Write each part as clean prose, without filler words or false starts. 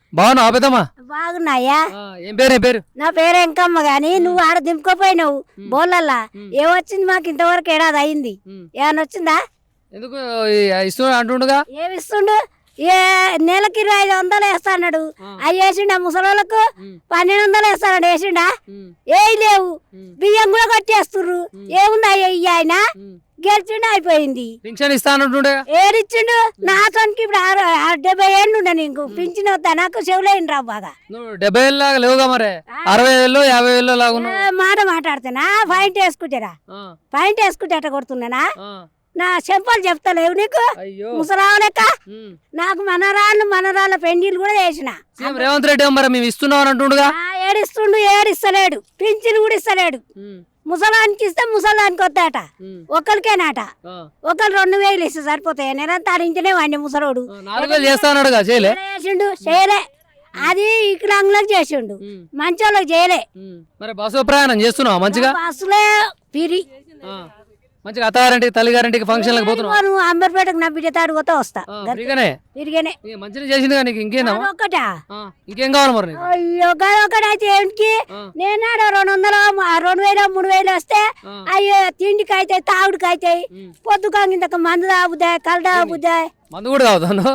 బాగున్నావా పెద్దమ్మా? బాగున్నాయా? ఏం పేరు? నా పేరు ఎంకమ్మ గాని నువ్వు ఆడ దింపుకోపోయినావు బోళ్ళల్లా. ఏమొచ్చింది మాకు ఇంతవరకు ఏడాది అయింది. ఏమన్నా వచ్చిందా? ఎందుకు ఇస్తున్నా అంటుండగా? ఏమిస్తుండు? ఏ నెలకి 2500 వేస్తాడు. అవి వేసిండా ముసలోళ్ళకు? 1200 వేస్తాడు. వేసిండా? ఏ లేవు. బియ్యం కూడా కట్టేస్తుర్రు. ఏముంది అయ్యి ఆయన గెలిచిండు అయిపోయింది. పింఛన్ ఇస్తానంటుండే ఏడిచ్చిండు. నాతోనికి ఇప్పుడు 70 ఏళ్ళు ఉండే నీకు పింఛన్ వద్దా? నాకు చెవులేని రావు బాగా. నువ్వు 70 ఏళ్ళ లాగా లేవుగా మరి 60 ఏళ్ళు 50 ఏళ్ళు లాగా మాట మాట్లాడుతున్నా. పాయింట్ వేసుకుంటారా? పాయింట్ వేసుకుంటే అట్ట కొడుతున్నానా? నా చెంపలు చెప్తలేవు నీకు ముసలావు లెక్క. నాకు మనరాళ్ళ పెండిలు కూడా చేసిన. రేవంత్ రెడ్డి మరి మేము ఇస్తున్నాం అంటుండగా? ఏడిస్తలేడు. పింఛన్ కూడా ఇస్తలేడు. ముసలానికి ఇస్తే ముసలానికి వద్దట. ఒకరికేనాట. ఒకరు 2000 ఇస్తే సరిపోతాయి. నెలంతా ఇంటనే వాడిని ముసలోడు. 4000 చేస్తాడు చేసిండు. చేయలే. అది వికలాంగులకు చేసిండు. మంచోళ్ళకి చేయలే. మరి బస్సు ప్రయాణం చేస్తున్నావు మంచిగా? బస్సులే పిరి మంచిగా అత్తగారింటికి తల్లిగారింటికి ఫంక్షన్లకు పోతున్నావు? అంబర్పేటకు నా బిడ్డ తాడు పోతా వస్తా. తిరిగానే మంచిగా చేసింది కానీ ఇంకేనా? ఒకటా ఇంకేం కావాలి మరి? అయ్యో ఒకటైతే ఏంటికి నేను 200 2000 3000 వస్తే అయ్యో తిండికి అయితే తాగుడికి అయితే పొద్దుగా ఇంతకు మందు తాగుతాయి కళ్ళు తాగుతాయి. మందు కూడా తాగుతాను.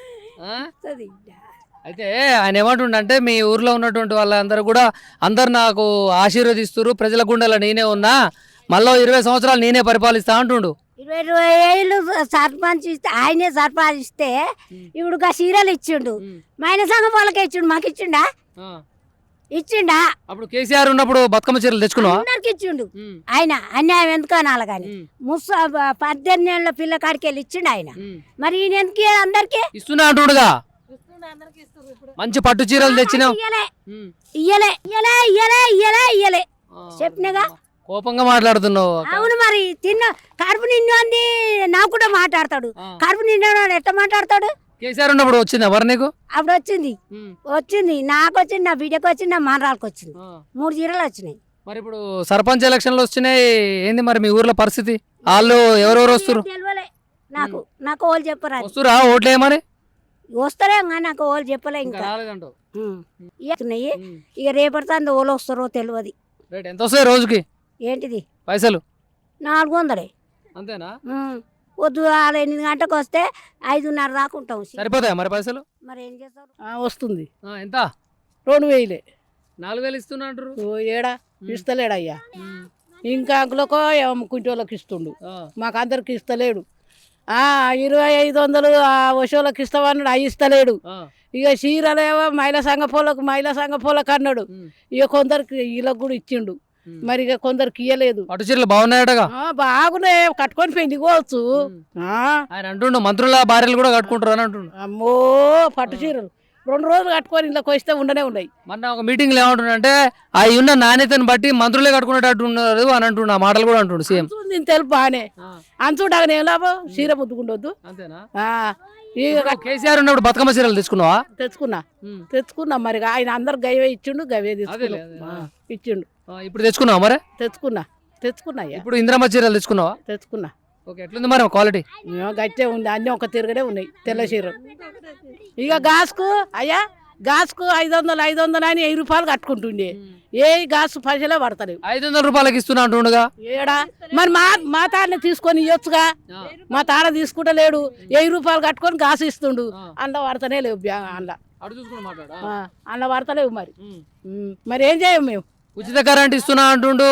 అయితే ఆయన ఏమంటుండంటే మీ ఊర్లో ఉన్నటువంటి వాళ్ళందరూ కూడా అందరు నాకు ఆశీర్వదిస్తున్నారు, ప్రజల గుండెలో నేనే ఉన్నా, మళ్ళీ 20 సంవత్సరాలు నేనే పరిపాలిస్తా అంటుండు. 20 ఏళ్ళు సర్పంచ్ ఇస్తే ఆయనే సర్పంచ్ ఇస్తే ఇప్పుడు సీరియల్ ఇచ్చిండు. మైన సంఘం వాళ్ళకే ఇచ్చిండు. మాకు ఇచ్చిండా? ఇచ్చిండా? అప్పుడు కేసీఆర్ ఉన్నప్పుడు బతుకమ్మ చీరలు తెచ్చుకున్నావా? అందరికి ఇచ్చిండు. ఆయన అన్యాయం ఎందుకు అనాలి కానీ 18 ఏళ్ళ పిల్ల కాడికి వెళ్ళి ఇచ్చిండు ఆయన. మరి ఈయన ఎందుకు అందరికి ఇస్తున్నా అంటుండగా? మంచి పట్టు చీరలు తెచ్చినావు. ఇయ్యలే చెప్పినగా. కోపంగా మాట్లాడుతున్నావు. అవును మరి కడుపు నిండి నాకు కూడా మాట్లాడతాడు. కడుపు నిండా ఎట్లా మాట్లాడతాడు? కేసీఆర్ ఉన్నప్పుడు వచ్చింది ఎవరు నీకు? అప్పుడు వచ్చింది నాకు వచ్చింది, నా బిడ్డకు వచ్చింది, నా మనరాలకు వచ్చింది. 3 చీరలు వచ్చినాయి. మరి ఇప్పుడు సర్పంచ్ ఎలక్షన్లు వచ్చినాయి, ఏంది మరి మీ ఊర్లో పరిస్థితి? వాళ్ళు ఎవరెవరు వస్తారు? తెలియలే నాకు ఓళ్ళు చెప్పరా? వస్తురా ఓట్లే మరి? వస్తారే నాకు ఓళ్ళు చెప్పలే. ఇంకా ఇక రేపటి ఓళ్ళు వస్తారో తెలియదు. ఎంత వస్తాయి రోజుకి? ఏంటిది పైసలు? 400. అంతేనా? పొద్దు 8 గంటకు వస్తే 5:30 దాకా ఉంటాం. సరిపోతాయా మరి పైసలు? మరి ఏం చేస్తారు? వస్తుంది. ఎంత? 2000. 4000 ఇస్తున్నా అంటారు. ఏడా ఇస్తలేడయ్యా. ఇంకా అంకులకో కుంటోళ్ళకి ఇస్తుండు, మాకు అందరికి ఇస్తలేడు. 2500 వశోళ్ళకి ఇస్తామన్నాడు, అవి ఇస్తలేడు. ఇక చీరలేవో మహిళా సంఘ పోలకు అన్నాడు. ఇక కొందరికి వీళ్ళకి కూడా ఇచ్చిండు. మరి ఇక కొందరికి ఇయ్యలేదు. పట్టు చీరలు బాగున్నాయటగా? బాగున్నాయి, కట్టుకొని పెళ్లి పోవచ్చు. ఆయన అంటుండు మంత్రుల భార్యలు కూడా కట్టుకుంటారు అని అంటుండు. అమ్మో పట్టు చీరలు 2 రోజులు కట్టుకొని ఇంట్లోకి వస్తే ఉండనే ఉన్నాయి. మొన్న ఒక మీటింగ్ లో ఏమంటుండే, అవి ఉన్న నాణ్యతను బట్టి మంత్రులే కట్టుకునేటట్టు ఉన్నారు అని అంటుండు. ఆ మాటలు కూడా అంటుండు సీఎం. తెలుపు బాగానే అంచుండగానే ఏం లాభం? చీర ముద్దుకుండొద్దు. అంతేనా? కేసీఆర్ ఉన్నప్పుడు బతుకమ్మ చీరలు తెచ్చుకున్నావా? తెచ్చుకున్నా మరి ఆయన అందరు గవే ఇచ్చిండు, గవే ఇచ్చిండు. ఇప్పుడు తెచ్చుకున్నావా మరి? తెచ్చుకున్నా. ఇప్పుడు ఇంద్రమ్మ చీరలు తెచ్చుకున్నావా? తెచ్చుకున్నా. ఎట్లుంది మరి క్వాలిటీ? గట్టే ఉంది, అన్ని ఒక తిరగడే ఉన్నాయి తెల్ల చీరలు. ఇక గాసుకు 500 అని 1000 రూపాయలు కట్టుకుంటుండే. ఏ గాసు పైసలే పడతలేవు. 500 రూపాయలకి ఇస్తున్నా అంటుండగా? ఏడా మరి మా తాడని తీసుకొని ఇవ్వచ్చుగా. మా తాడ తీసుకుంటలేడు, 1000 రూపాయలు కట్టుకొని గాసు ఇస్తుండు. అందులో పడతనే లేవు. అందులో పడతలేవు. మరి ఏం చేయం మేము? ఉచిత కరెంట్ ఇస్తున్నా అంటుండు.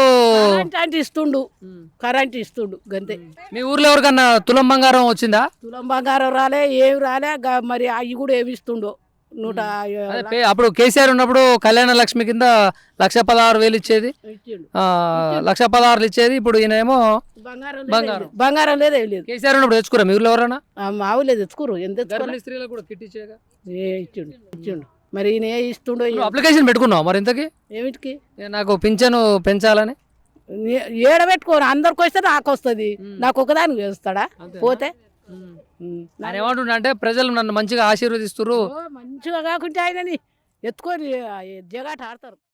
కరెంట్ ఇస్తుండు గంతే. మీ ఊర్లో ఎవరికన్నా తులం బంగారం వచ్చిందా? తులం బంగారం రాలే, ఏమి రాలే. మరి అవి కూడా ఏమి ఇస్తుండో. అప్పుడు కేసీఆర్ ఉన్నప్పుడు కళ్యాణ లక్ష్మి కింద 1,16,000 ఇచ్చేది, 1,16,000 ఇచ్చేది. ఇప్పుడు ఈయనేమో బంగారం లేదు, ఏం లేదు. కేసీఆర్ ఉన్నప్పుడు తెచ్చుకోరా మీ ఊర్లో ఎవరన్నా? మా ఊళ్ళో తెచ్చుకోరు. ఎంత స్త్రీలకు కూడా కిట్ ఇచ్చేగా? ఇచ్చిండు. మరి ఈయన ఇస్తుండో. అప్లికేషన్ పెట్టుకున్నావు మరి ఇంతకి? ఏమిటికి? నాకు పింఛను పెంచాలని. ఏడబెట్టుకోరు, అందరికి వస్తే నాకు వస్తుంది, నాకు ఒకదానికి వేస్తాడా పోతే? ఆయన ఏమంటుండ అంటే ప్రజలు నన్ను మంచిగా ఆశీర్వదిస్తున్నారు. మంచిగా కాకుంటే ఆయనని ఎత్తుకొని జగాట ఆడతారు.